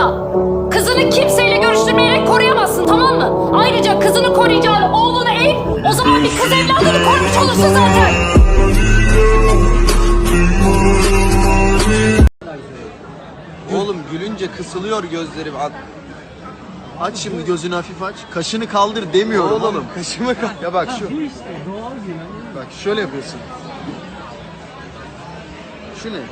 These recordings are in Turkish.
Ama kızını kimseyle görüştürmeyerek koruyamazsın, tamam mı? Ayrıca kızını koruyacağın oğlunu eğ, o zaman bir kız evladını korumuş olursun zaten. Oğlum gülünce kısılıyor gözlerim. Aç şimdi gözünü hafif aç. Kaşını kaldır demiyorum oğlum. Kaşımı kaldır. Ya bak şu. Bak şöyle yapıyorsun. Şu ne?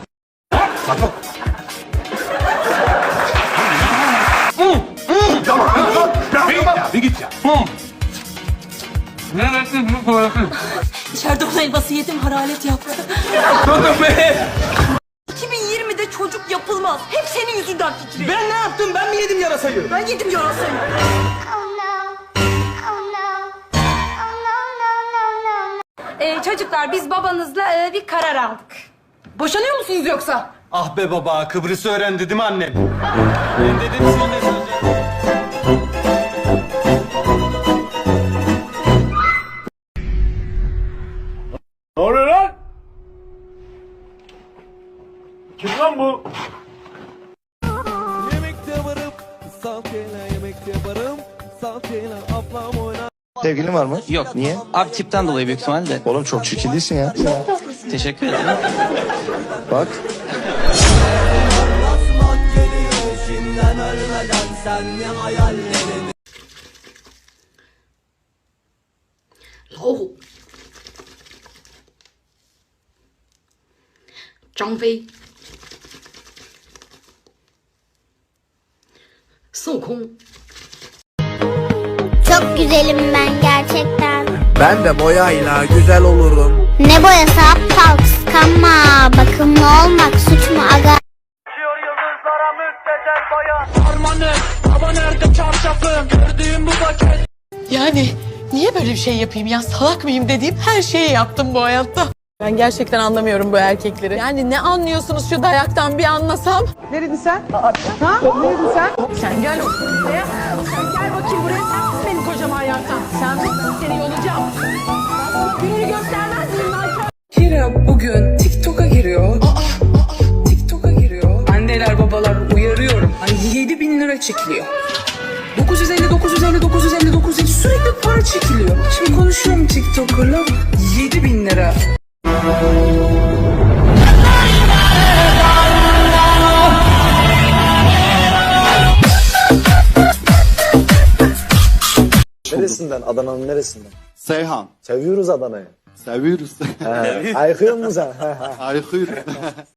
Bir git ya. İçeride olan elması yedim, hararet yaptı. 2020'de çocuk yapılmaz. Hep senin yüzünden Fikri. Ben ne yaptım? Ben mi yedim yarasayı? Ben yedim yarasayı. Çocuklar biz babanızla bir karar aldık. Boşanıyor musunuz yoksa? Ah be baba, Kıbrıs'ı öğrendi değil mi annem? Ben dedim sen de söyleyeceksin. Ne oluyor lan? Kim lan bu? Yemekte varım, salçayla yemekte varım, salçayla ablam oynar. Sevgilin var mı? Yok. Niye? Abi tipten dolayı büyük ihtimalle. Oğlum çok çirkin değilsin ya. Teşekkür ederim. Bak. Asmak geliyor şimdiden ölmeden sen ne hayallerini. Oh. 张飞，孙悟空。 Çok güzelim ben gerçekten. Ben de boyayla güzel olurum. Ne boyası aptal, kıskanma. Bakımlı olmak suç mu aga? Yıldızlara müptezel bayan. Harmanım, baba nerede çarşafım? Gördüğüm bu paket. Yani niye böyle bir şey yapayım ya? Salak mıyım dediğim her şeyi yaptım bu hayatta. Ben gerçekten anlamıyorum bu erkekleri. Yani ne anlıyorsunuz şu dayaktan bir anlasam? Neredin sen? Ha? Neredin sen? Sen gel buraya. Sen gel bakayım buraya. Sen tut benim kocam ayaktan. Sen tut, ben seni yolacağım. Ben sana gününü göstermez miyim lan? Kira bugün TikTok'a giriyor. TikTok'a giriyor. Anneler babalar uyarıyorum. Hani 7.000 lira çekiliyor. 950 sürekli para çekiliyor. Şimdi konuşuyorum TikToker'la 7.000 lira. Neresinden? Adana'nın neresinden? Seyhan. Seviyoruz Adana'yı. Seviyoruz. Ayıkıyor musun sen? Ayıkıyoruz.